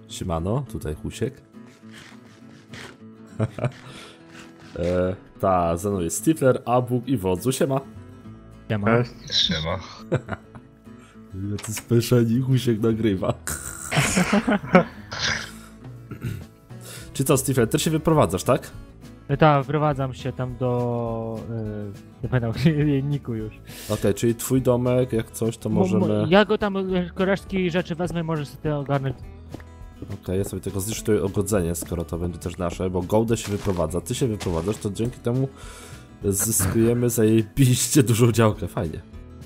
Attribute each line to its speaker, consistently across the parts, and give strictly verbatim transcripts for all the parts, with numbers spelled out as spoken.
Speaker 1: Siemano, tutaj Husiek. e, ta, ze mną jest Stifler, Abuk i Wodzu. Siema.
Speaker 2: Siema.
Speaker 3: Siema.
Speaker 1: Jacy speszeni Husiek nagrywa. Czy co, Stifler, ty się wyprowadzasz, tak?
Speaker 2: Tak, wprowadzam się tam do... Yy, nie pamiętam, jeniku już.
Speaker 1: Okej, okay, czyli twój domek, jak coś, to możemy...
Speaker 2: Ja go tam, resztki rzeczy wezmę, możesz sobie ogarnąć.
Speaker 1: Okej, okay, ja sobie tylko zliczytuję ogrodzenie, skoro to będzie też nasze, bo Golde się wyprowadza, ty się wyprowadzasz, to dzięki temu zyskujemy zajebiście dużą działkę, fajnie.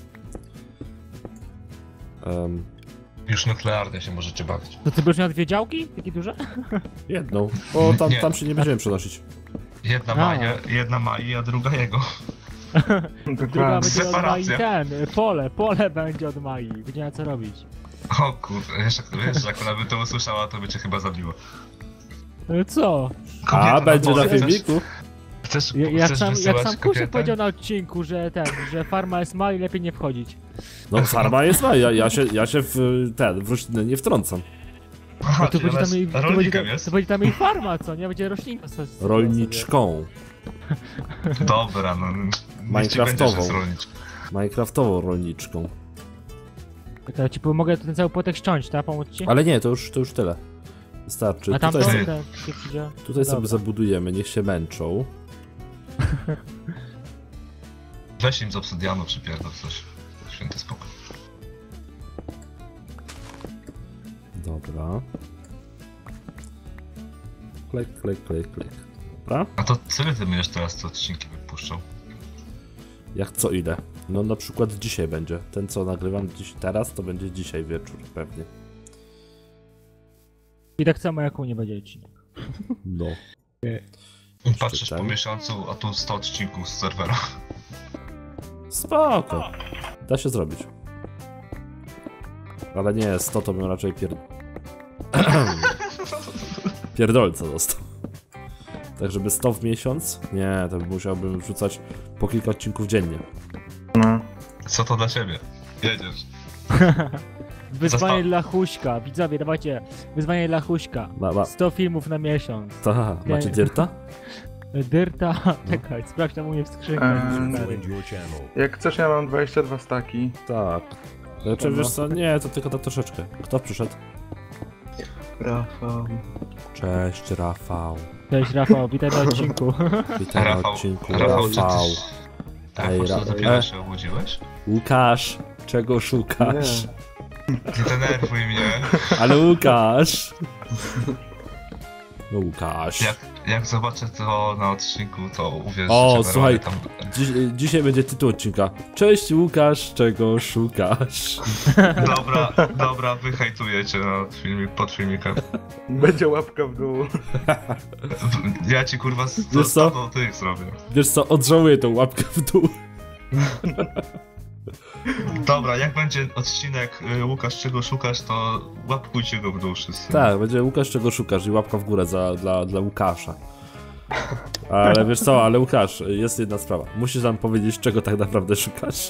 Speaker 1: Um,
Speaker 3: Już nuklearnie się możecie bawić.
Speaker 2: To ty będziesz miał dwie działki? Takie duże?
Speaker 1: Jedną, bo tam,
Speaker 3: Nie.
Speaker 1: tam się nie będziemy przenosić.
Speaker 3: Jedna
Speaker 2: A.
Speaker 3: ma, je, jedna ma i a druga jego.
Speaker 2: Druga będzie od Mai
Speaker 3: Separacja.
Speaker 2: ten, pole, pole będzie od Mai, będzie miała co robić.
Speaker 3: O kurde, wiesz, wiesz, jak ona by to usłyszała, to by cię chyba zabiło.
Speaker 2: No co?
Speaker 3: Kobieta
Speaker 1: A, będzie na
Speaker 3: pole.
Speaker 1: filmiku?
Speaker 3: Chcesz,
Speaker 2: Ja, jak
Speaker 3: chcesz
Speaker 2: sam, jak
Speaker 3: wysyłać
Speaker 2: sam Kusiek
Speaker 3: kobietę?
Speaker 2: powiedział na odcinku, że ten, że farma jest mała i lepiej nie wchodzić.
Speaker 1: No farma jest ma, ja, ja, się, ja się w ten, w rośliny nie wtrącam.
Speaker 3: Aha,
Speaker 2: No to
Speaker 3: czyli
Speaker 2: będzie
Speaker 3: ona
Speaker 2: tam jej,
Speaker 3: jest
Speaker 2: to będzie,
Speaker 3: rolnikiem
Speaker 2: tam-
Speaker 3: jest?
Speaker 2: to będzie tam jej farma, co nie? Będzie roślinka. so- so-
Speaker 1: Rolniczką.
Speaker 3: Dobra, no.
Speaker 1: Minecraftową.
Speaker 3: Niech ci będzie, że jest rolniczką.
Speaker 1: Minecraftową rolniczką.
Speaker 2: Tak, ja ci po- mogę ten cały płotek ściąć, tak? Pomóc ci?
Speaker 1: Ale nie, to już, to już tyle. Wystarczy.
Speaker 2: A tam to,
Speaker 1: Tutaj,
Speaker 3: sobie-
Speaker 2: ten, się przyjdzie.
Speaker 1: tutaj sobie
Speaker 2: Dobra.
Speaker 1: zabudujemy, niech się męczą.
Speaker 3: Weź im z obsydianu przypierdol coś. Święty spokój.
Speaker 1: Dobra. Klek, klek, klek, klek. Dobra.
Speaker 3: A to co ty będziesz teraz te odcinki wypuszczał?
Speaker 1: Jak co ile? No na przykład dzisiaj będzie. Ten co nagrywam dziś teraz, to będzie dzisiaj wieczór pewnie.
Speaker 2: I tak samo jak u nie będzie odcinek.
Speaker 1: No.
Speaker 3: Patrzysz po
Speaker 1: ten.
Speaker 3: miesiącu, a tu sto odcinków z serwera.
Speaker 1: Spoko. Da się zrobić. Ale nie, sto to bym raczej pier... pierdolca dostał. Tak żeby sto w miesiąc? Nie, to musiałbym wrzucać po kilka odcinków dziennie.
Speaker 4: No.
Speaker 3: Co to dla ciebie? Jedziesz.
Speaker 2: Wyzwanie
Speaker 3: Zosta-
Speaker 2: dla Huśka, widzowie, dawajcie. Wyzwanie dla Huśka.
Speaker 1: Ma, ma,
Speaker 2: sto filmów na miesiąc.
Speaker 1: ta, macie dyrta?
Speaker 2: Dyrta, czekaj, sprawdź tam u mnie w skrzynkach.
Speaker 4: Eee,
Speaker 2: stary.
Speaker 4: Jak chcesz, ja mam dwadzieścia dwa staki.
Speaker 1: Tak. Znaczy wiesz co, nie, to tylko na troszeczkę. Kto przyszedł?
Speaker 4: Rafał.
Speaker 1: Cześć Rafał.
Speaker 2: Cześć Rafał, witaj na odcinku.
Speaker 1: Witaj na
Speaker 3: Rafał,
Speaker 1: odcinku
Speaker 3: Rafał, czy
Speaker 1: Rafał.
Speaker 3: ty...
Speaker 1: Ej,
Speaker 3: Rafał,
Speaker 1: Ra-
Speaker 3: czy dopiero
Speaker 1: e.
Speaker 3: się obudziłeś?
Speaker 1: Łukasz, czego szukasz?
Speaker 3: Nie denerwuj mnie.
Speaker 1: Ale Łukasz! No Łukasz.
Speaker 3: Jak, jak zobaczę to na odcinku, to uwierz,
Speaker 1: O,
Speaker 3: że
Speaker 1: słuchaj.
Speaker 3: tam...
Speaker 1: Dziś, dzisiaj będzie tytuł odcinka. Cześć Łukasz, czego szukasz?
Speaker 3: Dobra, dobra, wyhejtuję cię na filmik, pod filmikiem.
Speaker 4: Będzie łapka w dół.
Speaker 3: Ja ci kurwa z
Speaker 1: Wiesz co?
Speaker 3: do tych zrobię.
Speaker 1: Wiesz co, odżałuję tą łapkę w dół.
Speaker 3: Dobra, jak będzie odcinek y, Łukasz, czego szukasz, to łapkujcie go w dół wszyscy.
Speaker 1: Tak, będzie Łukasz, czego szukasz i łapka w górę za, dla, dla Łukasza. Ale wiesz co, ale Łukasz, jest jedna sprawa. Musisz nam powiedzieć, czego tak naprawdę szukasz.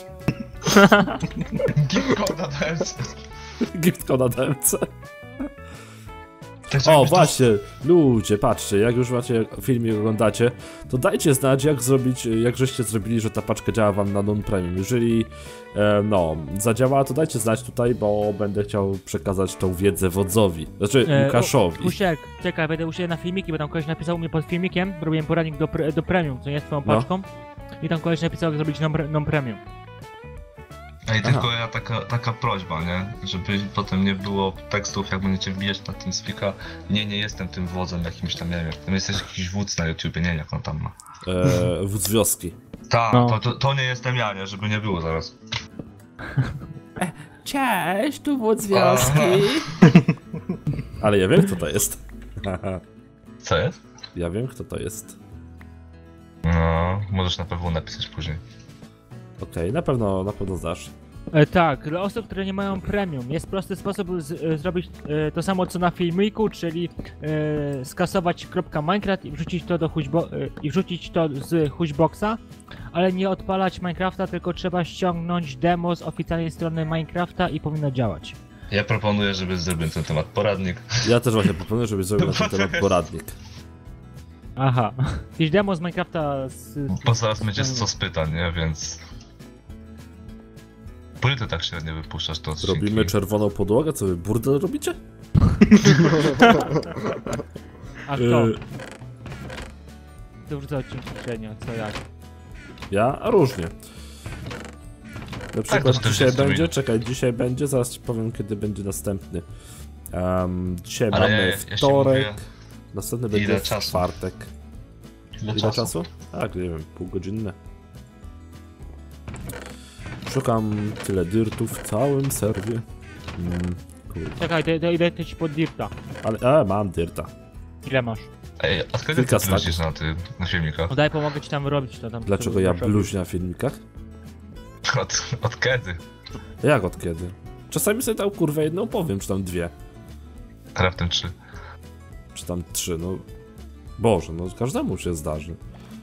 Speaker 3: Gift code na D M C.
Speaker 1: Gift code na D M C.
Speaker 3: Tak,
Speaker 1: O,
Speaker 3: żebyś
Speaker 1: właśnie, ludzie, patrzcie, jak już macie film i oglądacie, to dajcie znać, jak zrobić, jak żeście zrobili, że ta paczka działa wam na non-premium. Jeżeli, e, no, zadziała, to dajcie znać tutaj, bo będę chciał przekazać tą wiedzę wodzowi, znaczy
Speaker 2: E,
Speaker 1: Łukaszowi.
Speaker 2: Husiek, czekaj, będę u siebie na filmiki, bo tam koleś napisał u mnie pod filmikiem, robiłem poradnik do, pre, do premium, co nie z twoją
Speaker 1: No.
Speaker 2: paczką. I tam koleś napisał, jak zrobić non- non-premium.
Speaker 3: Ej, tylko ja taka, taka prośba, nie? Żeby potem nie było tekstów, jak będziecie wbijać na TeamSpeaka. Nie, nie jestem tym wodzem jakimś tam, nie wiem. Tam jest jakiś wódz na YouTubie, nie wiem jak on tam ma.
Speaker 1: E, wódz wioski.
Speaker 3: Tak,
Speaker 2: No.
Speaker 3: to, to, to nie jestem ja, nie? Żeby nie było zaraz.
Speaker 1: Cześć, tu wódz
Speaker 3: wioski.
Speaker 1: Ale ja wiem, kto to jest.
Speaker 3: Co jest?
Speaker 1: Ja wiem, kto to jest.
Speaker 3: No, możesz na pewno napisać później.
Speaker 1: Okej, na pewno, na pewno znasz.
Speaker 2: E, tak, dla osób, które nie mają premium, jest prosty sposób z, e, zrobić e, to samo co na filmiku, czyli e, skasować .minecraft i wrzucić to do huźbo, e, i wrzucić to z huźboxa, ale nie odpalać Minecrafta, tylko trzeba ściągnąć demo z oficjalnej strony Minecrafta i powinno działać.
Speaker 3: Ja proponuję, żeby zrobił ten temat poradnik.
Speaker 1: Ja też właśnie proponuję, żebyś zrobił na ten temat poradnik.
Speaker 2: Aha. Jakieś demo z Minecrafta z...
Speaker 3: Bo zaraz będzie co z pytań, nie? Więc... Po ile ty tak średnio wypuszczasz to odcinki?
Speaker 1: Robimy czerwoną podłogę? Co wy, burdel robicie?
Speaker 2: A kto?
Speaker 1: Y,
Speaker 2: To wrzucę odcinki średnio, co jak?
Speaker 1: Ja? A różnie. Na przykład
Speaker 3: to
Speaker 1: dzisiaj
Speaker 3: czterdzieści
Speaker 1: będzie,
Speaker 3: minut.
Speaker 1: czekaj, dzisiaj będzie, zaraz ci powiem kiedy będzie następny. Um, dzisiaj
Speaker 3: Ale
Speaker 1: mamy
Speaker 3: ja, ja się
Speaker 1: wtorek,
Speaker 3: mówię,
Speaker 1: następny
Speaker 3: ile
Speaker 1: będzie w
Speaker 3: czasu?
Speaker 1: czwartek.
Speaker 3: ile,
Speaker 1: Ile
Speaker 3: czasu?
Speaker 1: czasu? Tak, nie wiem, półgodzinne. Szukam tyle dirtów w całym serwie. Mm, kurde.
Speaker 2: Czekaj, to, to idę ci pod dirta.
Speaker 1: Ale, e, mam dirta.
Speaker 2: Ile masz?
Speaker 3: Ej, od kiedy
Speaker 1: Kilka
Speaker 3: ty bluźnisz na, ty, na filmikach?
Speaker 2: No daj, pomogę ci tam wyrobić to tam.
Speaker 1: Dlaczego ja bluźnię na filmikach?
Speaker 3: Od, od kiedy?
Speaker 1: Jak od kiedy? Czasami sobie tam kurwę jedną powiem, czy tam dwie,
Speaker 3: Raptem trzy.
Speaker 1: czy tam trzy, no... Boże, no każdemu się zdarzy.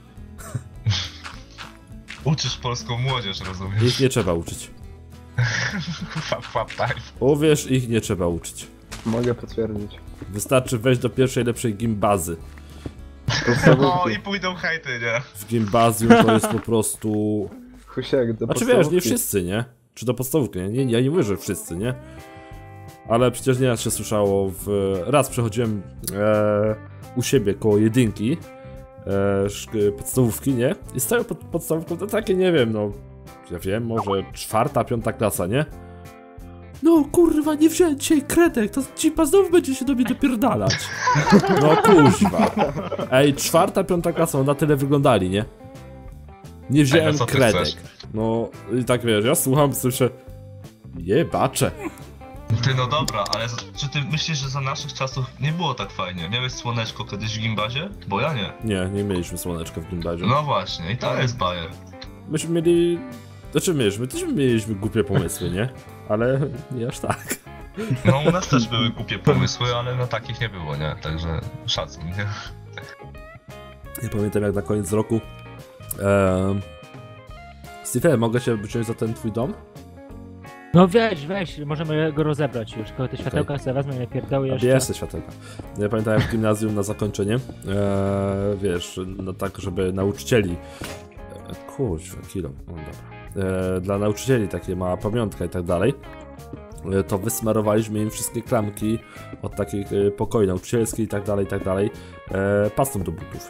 Speaker 3: Uczysz polską młodzież, rozumiesz?
Speaker 1: Ich nie trzeba uczyć.
Speaker 3: Fap, fap, time.
Speaker 1: Uwierz, ich nie trzeba uczyć.
Speaker 5: Mogę potwierdzić.
Speaker 1: Wystarczy wejść do pierwszej lepszej gimbazy.
Speaker 3: O, i pójdą hejty, nie?
Speaker 1: W gimbazjum to jest po prostu...
Speaker 5: Husiek, do
Speaker 1: Znaczy wiesz,
Speaker 5: podstawówki.
Speaker 1: nie wszyscy, nie? Czy do podstawówki, nie? nie? Ja nie mówię, że wszyscy, nie? Ale przecież nieraz się słyszało w... Raz przechodziłem e, u siebie koło jedynki e, szk- podstawówki, nie? I stoją pod podstawówką to takie, nie wiem, no... Ja wiem, może czwarta, piąta klasa, nie? No kurwa, nie wziąłem dzisiaj kredek, to cipa znowu będzie się do mnie dopierdalać. No kuźwa. Ej, czwarta, piąta klasa, na tyle wyglądali, nie? Nie wziąłem
Speaker 3: Ej, no co ty
Speaker 1: kredek.
Speaker 3: chcesz?
Speaker 1: No i tak wiesz, ja słucham, słyszę... Jebacze.
Speaker 3: Ty, no dobra, ale za, czy ty myślisz, że za naszych czasów nie było tak fajnie? Miałeś słoneczko kiedyś w gimbazie? Bo ja nie.
Speaker 1: Nie, nie mieliśmy słoneczka w gimbazie.
Speaker 3: No właśnie, i to jest bajer.
Speaker 1: Myśmy mieli... Znaczy my, my też mieliśmy głupie pomysły, nie? Ale nie aż tak.
Speaker 3: No u nas też były głupie pomysły, ale no takich nie było, nie? Także szacun, nie?
Speaker 1: Ja pamiętam jak na koniec roku... Eee... Steve, mogę się wziąć za ten twój dom?
Speaker 2: No weź, weź, możemy go rozebrać już, tylko te światełka sobie wezmę i nie pierdały jeszcze.
Speaker 1: Bierz te światełka. Ja pamiętam jak w gimnazjum na zakończenie, eee, wiesz, no tak, żeby nauczycieli... Eee, kurczę, kilo, no dobra. Eee, dla nauczycieli takie mała pamiątka i tak dalej, eee, to wysmarowaliśmy im wszystkie klamki od takich e, pokoi nauczycielskich i tak dalej, i tak dalej, eee, pastą do butów.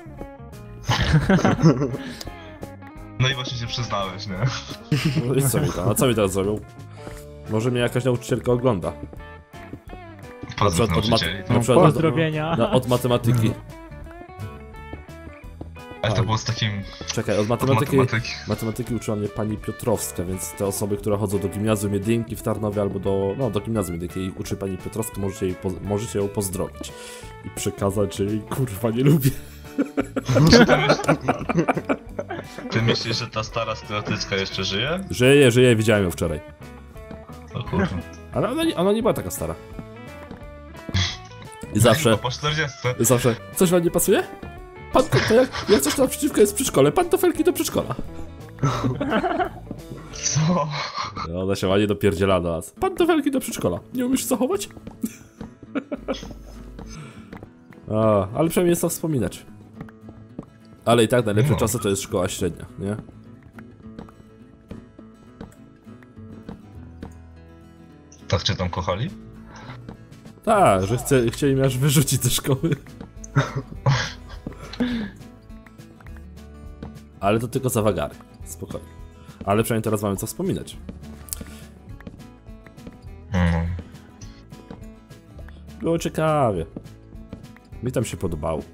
Speaker 3: No i właśnie się przyznałeś, nie?
Speaker 1: No i co mi tam, a co mi teraz zrobią? Może mnie jakaś nauczycielka ogląda.
Speaker 3: Pozdrów
Speaker 1: od, mat-
Speaker 3: nauczycieli.
Speaker 1: na przykład od,
Speaker 2: Pozdrowienia.
Speaker 1: na, od matematyki.
Speaker 3: Ale to było z takim...
Speaker 1: Czekaj, od
Speaker 3: Od
Speaker 1: matematyki...
Speaker 3: matematyki.
Speaker 1: Matematyki uczyła mnie pani Piotrowska, więc te osoby, które chodzą do gimnazjum jedynki w Tarnowie albo do, no, do gimnazjum jedynki i uczy pani Piotrowska, możecie, jej poz- możecie ją pozdrowić i przekazać, że jej kurwa nie lubię.
Speaker 3: Czy ty, myśl... ty myślisz, że ta stara stereotycka jeszcze żyje?
Speaker 1: Żyje, żyje, widziałem ją wczoraj.
Speaker 3: O kurwa.
Speaker 1: Ale ona, nie- ona nie była taka stara. I zawsze,
Speaker 3: No po czterdziestce.
Speaker 1: zawsze, coś wam nie pasuje? Pan, to, to jak, jak coś naprzeciwko jest w przedszkole, pantofelki do przedszkola.
Speaker 3: Co?
Speaker 1: No, ona się ładnie dopierdziela do nas. Pantofelki do przedszkola. Nie umiesz zachować? A, ale przynajmniej jest to wspominać. Ale i tak najlepsze
Speaker 3: No.
Speaker 1: czasy to jest szkoła średnia, nie?
Speaker 3: Tak cię tam kochali?
Speaker 1: Tak, że chce, chcieli mnie aż wyrzucić ze szkoły. Ale to tylko za wagary. Spokojnie. Ale przynajmniej teraz mamy co wspominać.
Speaker 3: Mm.
Speaker 1: Było ciekawie. Mi tam się podobało.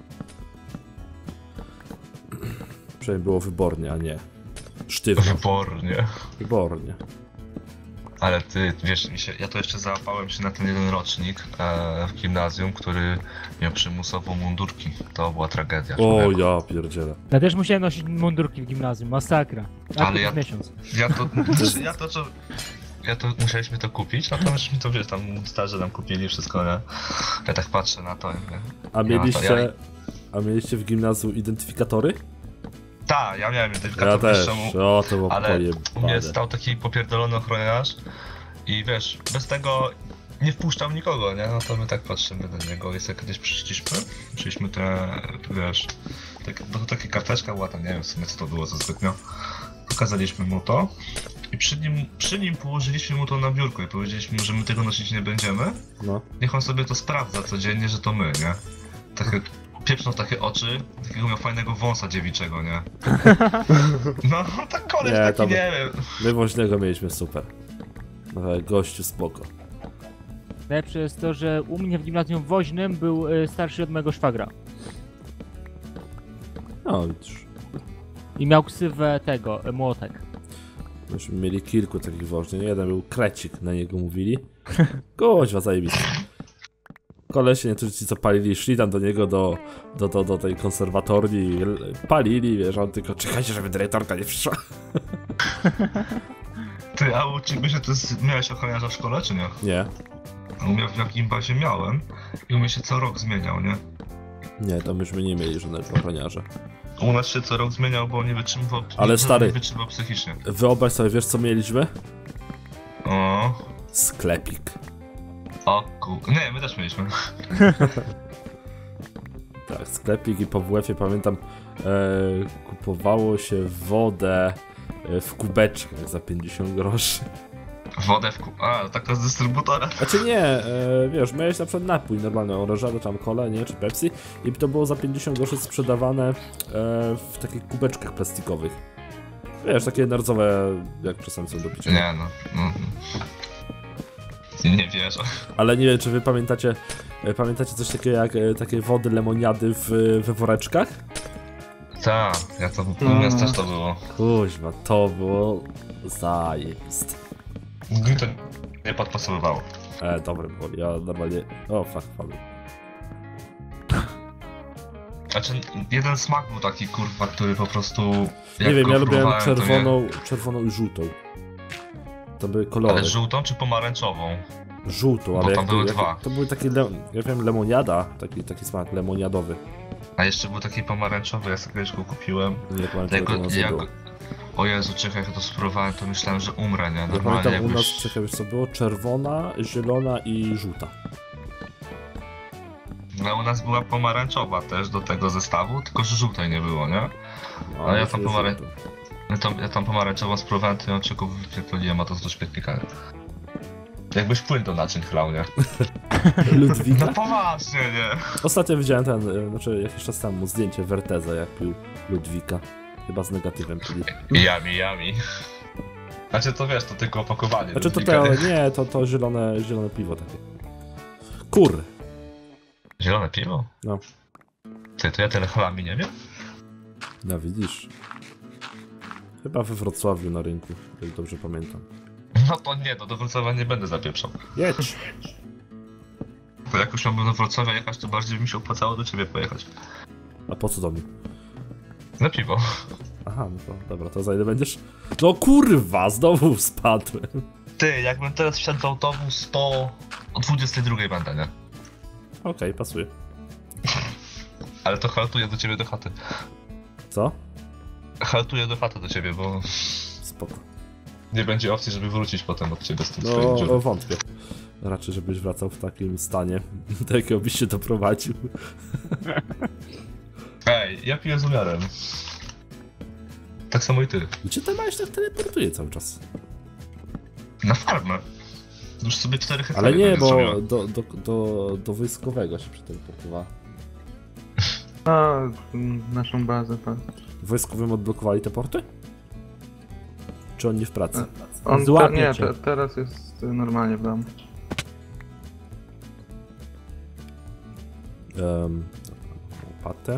Speaker 1: Przynajmniej było wybornie, a nie sztywno.
Speaker 3: Wybornie.
Speaker 1: Wybornie.
Speaker 3: Ale ty, wiesz, mi się, ja to jeszcze załapałem się na ten jeden rocznik e, w gimnazjum, który miał przymusowo mundurki. To była tragedia.
Speaker 1: O,
Speaker 3: człowieku.
Speaker 1: ja pierdzielę.
Speaker 2: Ja też musiałem nosić mundurki w gimnazjum, masakra. A
Speaker 3: Ale
Speaker 2: to
Speaker 3: ja-
Speaker 2: miesiąc.
Speaker 3: Ja to, ja to, co... Ja to, musieliśmy to kupić, natomiast mi to, wiesz, tam starzy nam kupili wszystko, nie? Ja tak patrzę na to, nie?
Speaker 1: A
Speaker 3: Ja
Speaker 1: mieliście,
Speaker 3: to- ja-
Speaker 1: a mieliście w gimnazjum identyfikatory?
Speaker 3: Tak, ja miałem
Speaker 1: Ja
Speaker 3: identyfikator,
Speaker 1: też.
Speaker 3: wiesz czemu?
Speaker 1: O, to było
Speaker 3: Ale u mnie
Speaker 1: pojebane.
Speaker 3: stał taki popierdolony ochroniarz I wiesz, bez tego nie wpuszczał nikogo, nie? No to my tak patrzymy na niego. Jest jak kiedyś przyszliśmy, przyszliśmy te, wiesz, tak, bo to taka karteczka była, tam nie wiem w sumie co to było za zbytnio. Pokazaliśmy mu to i przy nim, przy nim położyliśmy mu to na biurko i powiedzieliśmy mu, że my tego nosić nie będziemy.
Speaker 1: No.
Speaker 3: Niech on sobie to sprawdza codziennie, że to my, nie? Takie, pieprznął takie oczy, takiego miał fajnego wąsa dziewiczego, nie? No, tak koleś
Speaker 1: Nie,
Speaker 3: taki,
Speaker 1: to-
Speaker 3: nie wiem.
Speaker 1: My woźnego mieliśmy super. Ale gościu spoko.
Speaker 2: Najlepsze jest to, że u mnie w gimnazjum woźnym był y, starszy od mojego szwagra.
Speaker 1: No widzisz.
Speaker 2: I miał ksywę tego, y, młotek.
Speaker 1: Myśmy mieli kilku takich woźnych. Jeden był krecik, na niego mówili. Koźwa zajebisty. Kolesie, niektórzy ci co palili, szli tam do niego, do, do, do, do tej konserwatorni i l- palili, wiesz, on tylko czekajcie, żeby dyrektorka nie przyszła.
Speaker 3: Ty, a u ciebie się to jest, miałeś ochroniarza w szkole, czy nie?
Speaker 1: Nie,
Speaker 3: U mnie w jakim bazie miałem i u mnie się co rok zmieniał, nie?
Speaker 1: nie, to myśmy nie mieli żadnego ochroniarza.
Speaker 3: U nas się co rok zmieniał, bo nie wytrzymywał,
Speaker 1: Ale
Speaker 3: nie,
Speaker 1: stary-
Speaker 3: nie wytrzymywał psychicznie.
Speaker 1: Wyobraź sobie, wiesz co mieliśmy?
Speaker 3: O,
Speaker 1: Sklepik.
Speaker 3: o ku... Nie, my też mieliśmy.
Speaker 1: Tak, sklepik i po W F-ie pamiętam e, kupowało się wodę e, w kubeczkach za pięćdziesiąt groszy.
Speaker 3: Wodę w ku... A, taka z dystrybutora.
Speaker 1: Znaczy nie, e, wiesz, miałeś na przykład napój normalny, oranżadę, tam cola, nie, czy Pepsi i to było za pięćdziesiąt groszy sprzedawane e, w takich kubeczkach plastikowych. Wiesz, takie nerdzowe, jak czasami są do picia.
Speaker 3: Nie no, no. Nie wierzę.
Speaker 1: Ale nie wiem, czy wy pamiętacie, e, pamiętacie coś takiego jak e, takie wody lemoniady w, we woreczkach?
Speaker 3: Tak, ja to, u nas też to było.
Speaker 1: Kuźma, to było zajebiste.
Speaker 3: Mi to nie podpasowywało.
Speaker 1: E, dobre było, ja normalnie... O, fuck, padł.
Speaker 3: Znaczy, jeden smak był taki, kurwa, który po prostu... jak
Speaker 1: Nie wiem,
Speaker 3: go
Speaker 1: ja lubiłem
Speaker 3: próbowałem, to nie-
Speaker 1: czerwoną, czerwoną i żółtą. To były kolory.
Speaker 3: Ale żółtą czy pomarańczową?
Speaker 1: Żółtą,
Speaker 3: Bo
Speaker 1: ale
Speaker 3: tam
Speaker 1: jak
Speaker 3: były
Speaker 1: to, jak,
Speaker 3: dwa.
Speaker 1: to były takie, le, ja wiem, lemoniada, taki, taki smak lemoniadowy.
Speaker 3: A jeszcze był taki pomarańczowy, ja sobie kiedyś go kupiłem.
Speaker 1: Nie pamiętam, jak
Speaker 3: Tego,
Speaker 1: to
Speaker 3: jak...
Speaker 1: było.
Speaker 3: O Jezu, czekaj, jak ja to spróbowałem, to myślałem, że umrę, nie?
Speaker 1: Ja
Speaker 3: Normalnie
Speaker 1: pamiętam, u nas,
Speaker 3: jakbyś...
Speaker 1: czekaj, wiesz co było? Czerwona, zielona i żółta.
Speaker 3: No u nas była pomarańczowa też do tego zestawu, tylko że żółtej nie było, nie?
Speaker 1: No,
Speaker 3: A ja
Speaker 1: myśmy
Speaker 3: tam pomarań-
Speaker 1: żółtą.
Speaker 3: Ja tam, ja tam pomarańczową spróbowałem, to ją tylko wypierdoliłem, a to do śmietnika. Jakbyś płyn do naczyń chlał, nie?
Speaker 1: Ludwika?
Speaker 3: No poważnie, nie?
Speaker 1: Ostatnio widziałem ten, e, znaczy jakiś czas temu zdjęcie Werteza, jak pił Ludwika. Chyba z negatywem, czyli...
Speaker 3: Jami, jami. Znaczy to wiesz, to tylko opakowanie.
Speaker 1: Znaczy to
Speaker 3: Ludwika,
Speaker 1: te,
Speaker 3: nie?
Speaker 1: nie, to, to zielone, zielone piwo takie. Kur.
Speaker 3: Zielone piwo?
Speaker 1: No.
Speaker 3: Ty, to ja tyle chlami nie wiem?
Speaker 1: No widzisz. Chyba we Wrocławiu na rynku, jak dobrze pamiętam.
Speaker 3: No to nie, to do Wrocławia nie będę zapieprzał.
Speaker 1: Jedź!
Speaker 3: Bo jak już miałbym do Wrocławia jechać, to bardziej by mi się opłacało do ciebie pojechać.
Speaker 1: A po co do mnie?
Speaker 3: Na piwo.
Speaker 1: Aha, no to dobra, to za ile będziesz? No kurwa, znowu spadłem.
Speaker 3: Ty, jakbym teraz wsiadł w autobus, to o dwudziestej drugiej będę, nie?
Speaker 1: Okej, pasuje.
Speaker 3: Ale to haltuję do ciebie do chaty.
Speaker 1: Co?
Speaker 3: Haltuję do chaty do ciebie, bo
Speaker 1: Spoko.
Speaker 3: nie będzie opcji, żeby wrócić potem od ciebie z tym swoim
Speaker 1: No,
Speaker 3: dziurem.
Speaker 1: wątpię. Raczej, żebyś wracał w takim stanie, do jakiego byś się doprowadził.
Speaker 3: Ej, ja piję z umiarem. Tak samo i ty.
Speaker 1: Gdzie ten małeś tak teleportuje cały czas?
Speaker 3: Na farmę. Już sobie cztery hektary
Speaker 1: Ale nie,
Speaker 3: będę
Speaker 1: bo
Speaker 3: zrobiła.
Speaker 1: do, do, do, do wojskowego się przeteleportowała.
Speaker 4: A, mm, naszą bazę, tak.
Speaker 1: W wojskowym odblokowali te porty? Czy on nie w pracy?
Speaker 4: On te,
Speaker 2: Złapie
Speaker 4: nie,
Speaker 2: cię.
Speaker 4: te, teraz jest y, normalnie w domu.
Speaker 1: Um, łopatę.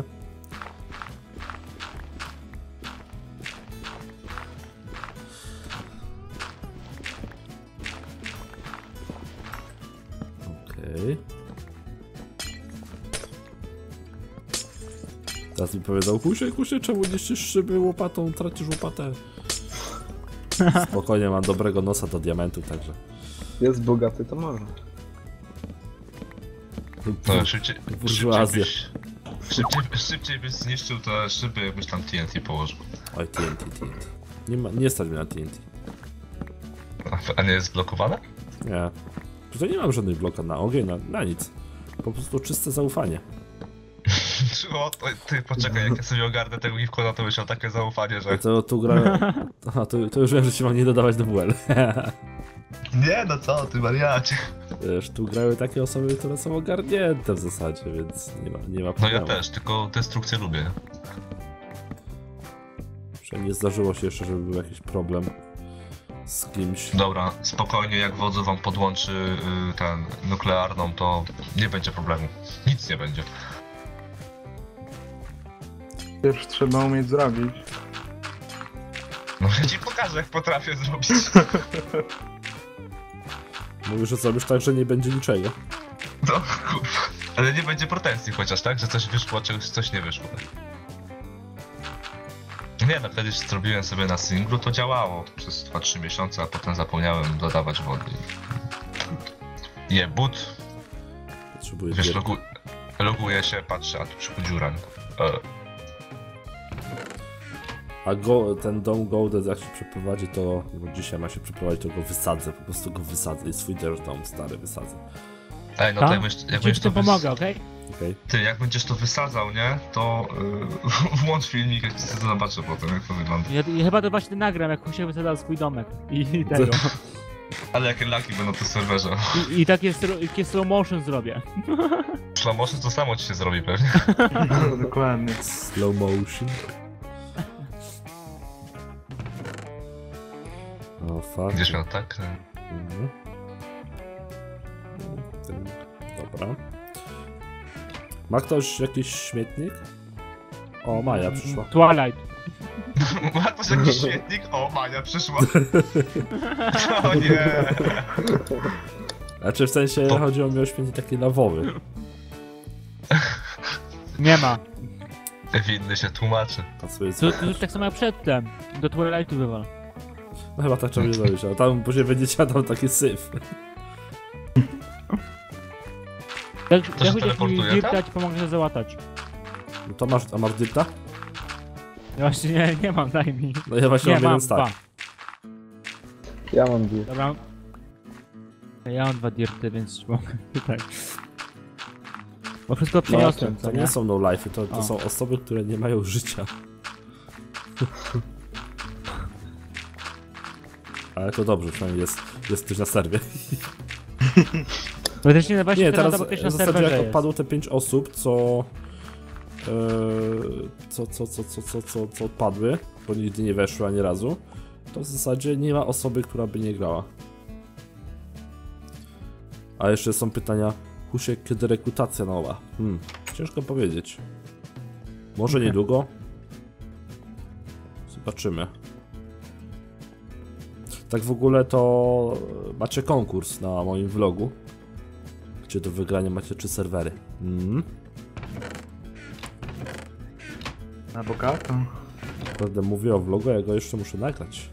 Speaker 1: Okej. Teraz mi powiedział, kusie, kusie, czemu niszczysz szyby łopatą, tracisz łopatę? Spokojnie, mam dobrego nosa do diamentów, także...
Speaker 5: Jest bogaty, to może.
Speaker 3: No, szybciej,
Speaker 1: Burżuazja.
Speaker 3: szybciej, byś, szybciej, szybciej byś zniszczył te szyby, jakbyś tam T N T położył.
Speaker 1: Oj, T N T, T N T. Nie, ma, nie stać mnie na T N T.
Speaker 3: A, a nie jest blokowane?
Speaker 1: Nie. Tutaj nie mam żadnych blokad na ogień, na, na nic. Po prostu czyste zaufanie.
Speaker 3: O, to, ty poczekaj, jak ja sobie ogarnę tego Gifkona, to myślał takie zaufanie, że...
Speaker 1: To, tu gra... Aha, to, to już wiem, że się mam nie dodawać do W L.
Speaker 3: Nie, no co ty, wariacie.
Speaker 1: Wiesz, tu grały takie osoby, które są ogarnięte w zasadzie, więc nie ma, nie ma
Speaker 3: No
Speaker 1: problemu.
Speaker 3: ja też, tylko destrukcję lubię.
Speaker 1: Przynajmniej nie zdarzyło się jeszcze, żeby był jakiś problem z kimś.
Speaker 3: Dobra, spokojnie, jak wodzu wam podłączy y, ten nuklearną, to nie będzie problemu. Nic nie będzie.
Speaker 4: Pierwszy trzeba umieć zrobić.
Speaker 3: No ja ci pokażę, jak potrafię zrobić.
Speaker 1: Mówisz, że zrobisz tak, że nie będzie niczego.
Speaker 3: No kurwa. Ale nie będzie pretensji chociaż, tak? Że coś wyszło, czegoś coś nie wyszło. Nie no, kiedyś zrobiłem sobie na singlu, to działało przez dwa trzy miesiące, a potem zapomniałem dodawać wody. Je but,
Speaker 1: Potrzebuję
Speaker 3: wiesz,
Speaker 1: gier.
Speaker 3: logu loguję się, patrzę, a tu przychodzi dziura. E,
Speaker 1: A go, ten dom Golden jak się przeprowadzi, to... Bo dzisiaj ma się przeprowadzić, to go wysadzę, po prostu go wysadzę i swój Dirt Dome stary wysadzę.
Speaker 3: Ej, no to jak będziesz, jak
Speaker 2: Ci
Speaker 3: będziesz
Speaker 2: w
Speaker 3: to
Speaker 2: tym
Speaker 3: wys...
Speaker 2: pomogę, okej?
Speaker 1: Okej?
Speaker 3: Ty, jak będziesz to wysadzał, nie? To yy, włącz filmik, jak sobie zobaczę potem, jak to wygląda.
Speaker 2: Ja, ja chyba to właśnie nagram, jak Husiek wysadzał swój domek. I, i tego.
Speaker 3: Ale jakie laki będą na tym serwerze.
Speaker 2: I, i takie, stro- takie slow motion zrobię.
Speaker 3: Slow motion to samo ci się zrobi pewnie.
Speaker 4: No, dokładnie.
Speaker 1: Slow motion. O, fuck.
Speaker 3: Będziesz miał tak?
Speaker 1: Mhm. Ten- Dobra. Ma ktoś jakiś śmietnik? O, Maja przyszła.
Speaker 2: Twilight.
Speaker 3: Ma to jakiś świetnik? O, Mania przyszła. O nie.
Speaker 1: Znaczy w sensie
Speaker 3: To-
Speaker 1: chodziło mi o śmietnik taki lawowy.
Speaker 2: Nie ma.
Speaker 3: Winny się tłumaczy.
Speaker 1: A sobie
Speaker 2: To, to już tak samo jak przedtem. Do Twilightu wywal.
Speaker 1: No chyba tak trzeba nie zrobić, ale tam później będzie siadał taki syf.
Speaker 2: Jak,
Speaker 3: się
Speaker 2: jak Husiek mi
Speaker 3: teleportuje,
Speaker 2: dirta,
Speaker 3: tak?
Speaker 2: ci pomogę się załatać.
Speaker 1: No to masz, a masz dyrta?
Speaker 2: Ja właśnie nie, nie mam, daj mi.
Speaker 1: No ja właśnie
Speaker 2: Nie,
Speaker 1: mam
Speaker 2: mam
Speaker 1: jeden stack.
Speaker 2: dwa.
Speaker 5: Ja mam dwie.
Speaker 2: Dobra. Ja mam dwa dirty, więc mogę tutaj. Bo wszystko przyniosłem,
Speaker 1: to
Speaker 2: co
Speaker 1: nie
Speaker 2: nie?
Speaker 1: są no life'y, to, to
Speaker 2: O.
Speaker 1: są osoby, które nie mają życia. Ale to dobrze, przynajmniej jest, jest ktoś na serwie.
Speaker 2: Bo też nie, właśnie
Speaker 1: Nie,
Speaker 2: teraz,
Speaker 1: teraz
Speaker 2: bo ktoś
Speaker 1: w
Speaker 2: na
Speaker 1: zasadzie
Speaker 2: serwerze
Speaker 1: jak
Speaker 2: jest.
Speaker 1: odpadło te pięć osób, co, e, co, co, co, co, co, co, co odpadły, bo nigdy nie weszły ani razu, to w zasadzie nie ma osoby, która by nie grała. A jeszcze są pytania, Husiek, kiedy rekrutacja nowa? Hmm, ciężko powiedzieć. Może niedługo? Zobaczymy. Tak w ogóle to macie konkurs na moim vlogu, gdzie do wygrania macie trzy serwery. Mm.
Speaker 4: Na bogato.
Speaker 1: Naprawdę mówię o vlogu, ja go jeszcze muszę nagrać.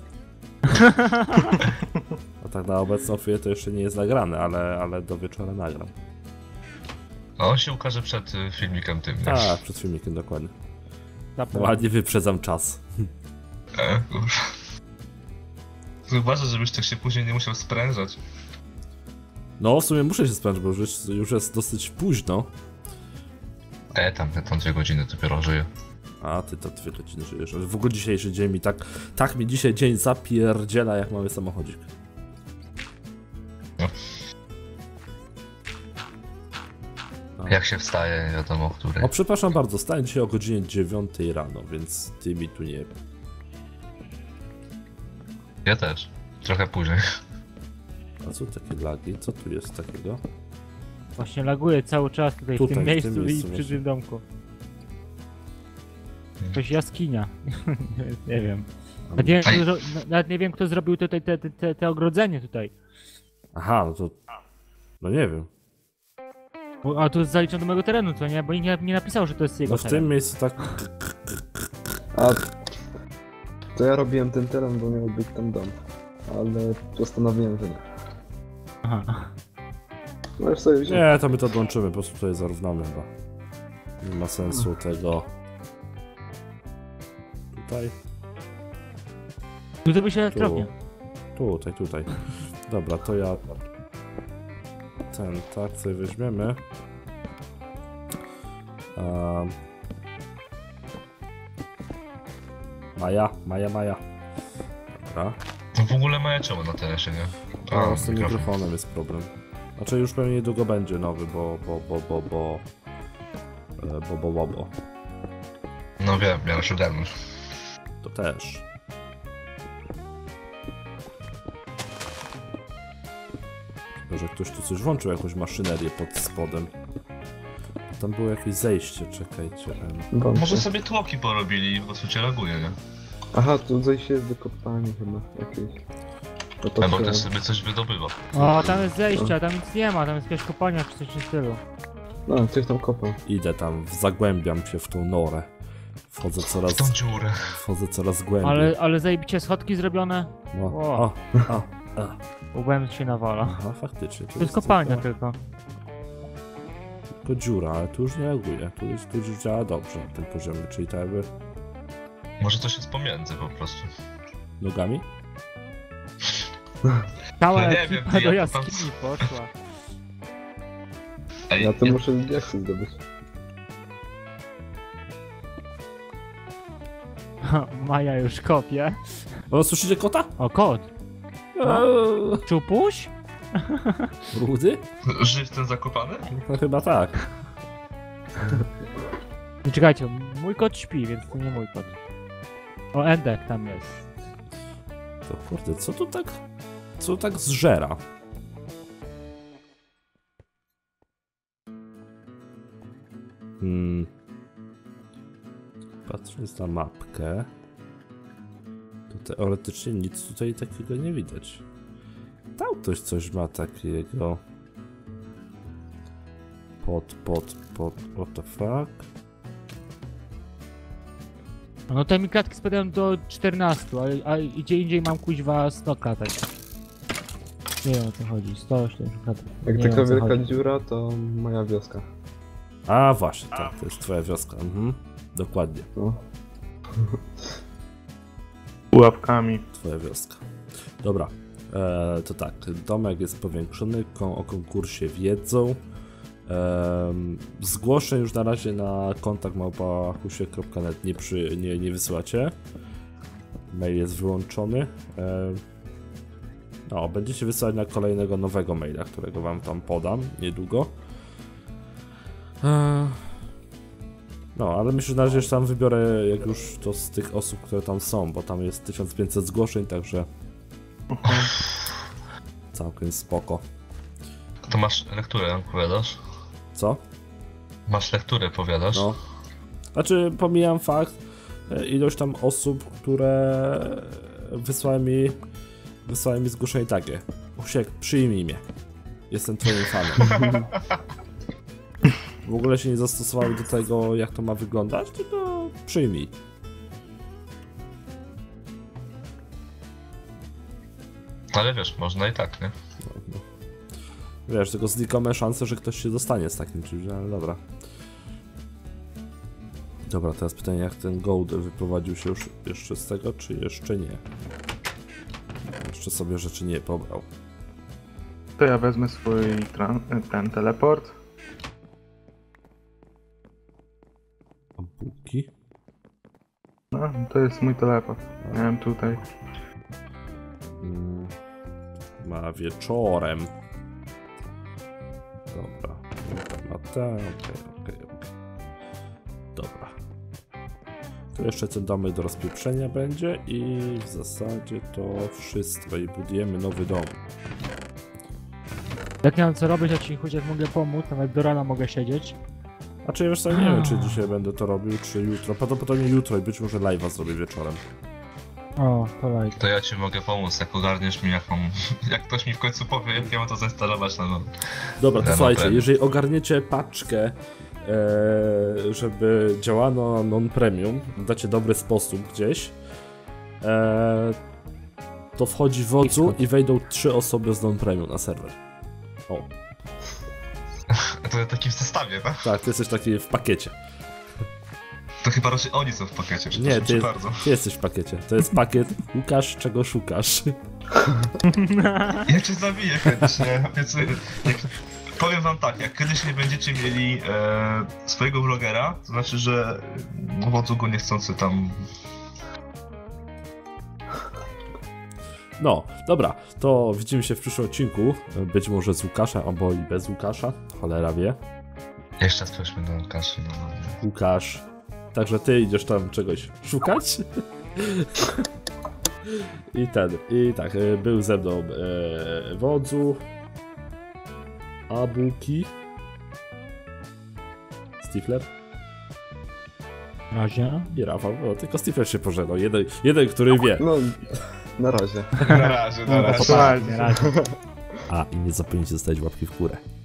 Speaker 1: A tak na obecną chwilę to jeszcze nie jest nagrane, ale, ale do wieczora nagram.
Speaker 3: A on się ukaże przed y, filmikiem tym, nie?
Speaker 1: Tak, przed filmikiem dokładnie.
Speaker 2: Zapewne.
Speaker 1: Ładnie wyprzedzam czas.
Speaker 3: E, kurwa. Uważaj, żebyś tak się później nie musiał sprężać.
Speaker 1: No w sumie muszę się spędzić, bo już jest, już jest dosyć późno.
Speaker 3: E, tam, ja tam dwie godziny dopiero żyję.
Speaker 1: A ty to dwie godziny żyjesz. Ale w ogóle dzisiejszy dzień mi tak... Tak mi dzisiaj dzień zapierdziela jak mały samochodzik.
Speaker 3: No.
Speaker 1: No.
Speaker 3: Jak się wstaje, nie wiadomo o której.
Speaker 1: O, przepraszam bardzo, stałem dzisiaj o godzinie dziewiątej rano, więc ty mi tu nie...
Speaker 3: Ja też. Trochę później.
Speaker 1: A co takie lagi? Co tu jest takiego?
Speaker 2: Właśnie laguję cały czas tutaj,
Speaker 1: Tutaj,
Speaker 2: w tym
Speaker 1: w
Speaker 2: miejscu
Speaker 1: tym miejscu
Speaker 2: i przy
Speaker 1: właśnie.
Speaker 2: tym domku. Jakaś jaskinia. nie wiem. Nawet nie wiem,
Speaker 3: Ej.
Speaker 2: kto, zro- nawet nie wiem, kto zrobił tutaj te, te, te, te ogrodzenie tutaj.
Speaker 1: Aha, no to... No nie wiem.
Speaker 2: Bo, a tu jest zaliczone do mojego terenu, co nie? Bo nikt nie, nie napisał, że to jest jego
Speaker 1: No w
Speaker 2: teren.
Speaker 1: tym miejscu tak...
Speaker 5: A to ja robiłem ten teren, bo miał być tam dom. Ale postanowiłem, że nie.
Speaker 2: Aha.
Speaker 5: Możesz sobie wziąć.
Speaker 1: Nie, to my to odłączymy, po prostu tutaj zarównamy chyba. Nie ma sensu tego... Tutaj,
Speaker 2: Tu to by się elektrownia.
Speaker 1: tutaj, tutaj. Dobra, to ja ten, tak sobie weźmiemy. Um. Maja, Maja, Maja. Dobra.
Speaker 3: No w ogóle mają czemu na telesie, nie?
Speaker 1: A, z tym mikrofonem jest problem. Znaczy już pewnie niedługo będzie nowy, bo, bo, bo, bo, bo... e, Bo, bo, bo, bo.
Speaker 3: No wiem, miałem się ogarnąć.
Speaker 1: To też. Chyba, że ktoś tu coś włączył, jakąś maszynerię pod spodem. Tam było jakieś zejście, czekajcie. em.
Speaker 5: Wątpię.
Speaker 3: Może sobie tłoki porobili, bo tu cię laguje, nie?
Speaker 5: Aha, tu zejście jest do kopalni chyba jakieś. No to
Speaker 3: Albo
Speaker 5: trzeba-
Speaker 3: też sobie coś wydobywa.
Speaker 2: O, tam jest zejście, a tam nic nie ma, tam jest jakaś kopalnia czy coś w tym stylu.
Speaker 5: No, coś tam kopał.
Speaker 1: Idę tam, zagłębiam się w tą norę. Wchodzę
Speaker 3: W
Speaker 1: coraz,
Speaker 3: tą dziurę.
Speaker 1: wchodzę coraz głębiej.
Speaker 2: Ale, ale zajebicie schodki zrobione,
Speaker 1: No,
Speaker 2: O.
Speaker 1: o, o, o.
Speaker 2: łbem się nawala.
Speaker 1: Aha, faktycznie.
Speaker 2: To jest kopalnia
Speaker 1: tylko,
Speaker 2: tylko.
Speaker 1: tylko dziura, ale tu już nie reaguje. Tu, jest, tu już działa dobrze na tym poziomie, czyli tak jakby
Speaker 3: Może coś jest pomiędzy po prostu.
Speaker 1: nogami.
Speaker 2: Cała
Speaker 3: No nie
Speaker 2: ekipa
Speaker 3: wiem,
Speaker 2: do
Speaker 3: ja tam-
Speaker 2: jaskini poszła.
Speaker 3: Ej,
Speaker 5: Ja to
Speaker 3: ja-
Speaker 5: muszę diaksy zdobyć.
Speaker 2: Maja już kopie.
Speaker 1: O, słyszycie kota?
Speaker 2: O, kot.
Speaker 1: Eee,
Speaker 2: Czupuś?
Speaker 1: Rudy?
Speaker 3: Żyć ten zakopany?
Speaker 1: No chyba tak.
Speaker 2: Nie, czekajcie, mój kot śpi, więc to nie mój kot. O, Endek tam jest.
Speaker 1: To kurde, co tu tak... Co tu tak zżera? Hmm... Patrząc na mapkę... To teoretycznie nic tutaj takiego nie widać. Tam ktoś coś ma takiego... Pod, pod, pod... What the fuck?
Speaker 2: No te mi klatki spadają do czternastu, a, a gdzie indziej mam kuźwa sto klatek. Nie wiem o co chodzi, sto siedemdziesiąt klatek.
Speaker 5: Jak
Speaker 2: Nie
Speaker 5: taka
Speaker 2: wiem, o co
Speaker 5: wielka
Speaker 2: chodzi.
Speaker 5: dziura, to moja wioska.
Speaker 1: A właśnie, tak, to jest twoja wioska. Mhm. Dokładnie,
Speaker 5: No.
Speaker 4: Pułapkami.
Speaker 1: twoja wioska. Dobra, e, to tak, domek jest powiększony, kon o konkursie wiedzą. E, zgłoszeń już na razie na kontakt małpa husie kropka net nie, przy, nie, nie wysyłacie. Mail jest wyłączony. E, no, będziecie wysyłać na kolejnego nowego maila, którego wam tam podam niedługo. E, No, ale myślę, że na razie już tam wybiorę, jak już to z tych osób, które tam są, bo tam jest tysiąc pięćset zgłoszeń, także całkiem spoko.
Speaker 3: To masz lekturę, powiadasz?
Speaker 1: Co?
Speaker 3: Masz lekturę, powiadasz?
Speaker 1: No. Znaczy, pomijam fakt, e, ilość tam osób, które wysłały mi, wysłały mi zgłoszenie takie. Usiek, przyjmij mnie. Jestem twoim fanem. W ogóle się nie zastosowały do tego, jak to ma wyglądać, tylko przyjmij.
Speaker 3: Ale wiesz, można i tak, nie?
Speaker 1: No, no. Wiesz, tylko znikome szanse, że ktoś się dostanie z takim czymś, ale dobra. Dobra, teraz pytanie, jak ten Goldel wyprowadził się już jeszcze z tego, czy jeszcze nie? Jeszcze sobie rzeczy nie pobrał.
Speaker 4: To ja wezmę swój tran- ten teleport.
Speaker 1: A bułki?
Speaker 4: No, to jest mój teleport. Miałem tutaj.
Speaker 1: Mm, ma wieczorem. Dobra. Ma ten, okej, okej, okej. Dobra. Tu jeszcze ten domek do rozpieprzenia będzie i w zasadzie to wszystko i budujemy nowy dom.
Speaker 2: Jak nie mam co robić, ja ci chociaż mogę pomóc, nawet do rana mogę siedzieć.
Speaker 1: A czy wiesz co, nie wiem, czy dzisiaj będę to robił, czy jutro. Prawdopodobnie jutro i być może live'a zrobię wieczorem.
Speaker 2: O, to lajk.
Speaker 3: To ja ci mogę pomóc, jak ogarniesz mi jaką... Jak ktoś mi w końcu powie, jak ja mam to zainstalować na nowo.
Speaker 1: Dobra, to
Speaker 3: Ja
Speaker 1: słuchajcie,
Speaker 3: naprawdę.
Speaker 1: jeżeli ogarniecie paczkę, e, żeby działano non-premium, dacie dobry sposób gdzieś, e, to wchodzi wodzu i wejdą trzy osoby z non-premium na serwer. O,
Speaker 3: To ja taki w zestawie, tak?
Speaker 1: tak, ty jesteś taki w pakiecie.
Speaker 3: To chyba raczej oni są w pakiecie,
Speaker 1: Nie,
Speaker 3: przepraszam
Speaker 1: ty,
Speaker 3: cię bardzo.
Speaker 1: ty jesteś w pakiecie. To jest pakiet Łukasz, czego szukasz.
Speaker 3: Ja cię zabiję chętnie, obiecuję. Jak, powiem wam tak, jak kiedyś nie będziecie mieli e, swojego vlogera, to znaczy, że wodzu go niechcący tam...
Speaker 1: No, dobra, to widzimy się w przyszłym odcinku. Być może z Łukaszem, albo i bez Łukasza. Cholera wie.
Speaker 3: Jeszcze raz prośmy do Łukaszy, no.
Speaker 1: Łukasz. Także ty idziesz tam czegoś szukać. I ten, i tak, e, był ze mną e, Wodzu, Abuki, Stifler
Speaker 2: Na razie.
Speaker 1: i Rafał. No, tylko Stifler się pożegnał. Jeden, jeden, który wie.
Speaker 5: No, na razie.
Speaker 3: Na razie, na razie.
Speaker 2: Dokładnie, razie.
Speaker 1: A, i nie zapomnijcie zostawić łapki w górę.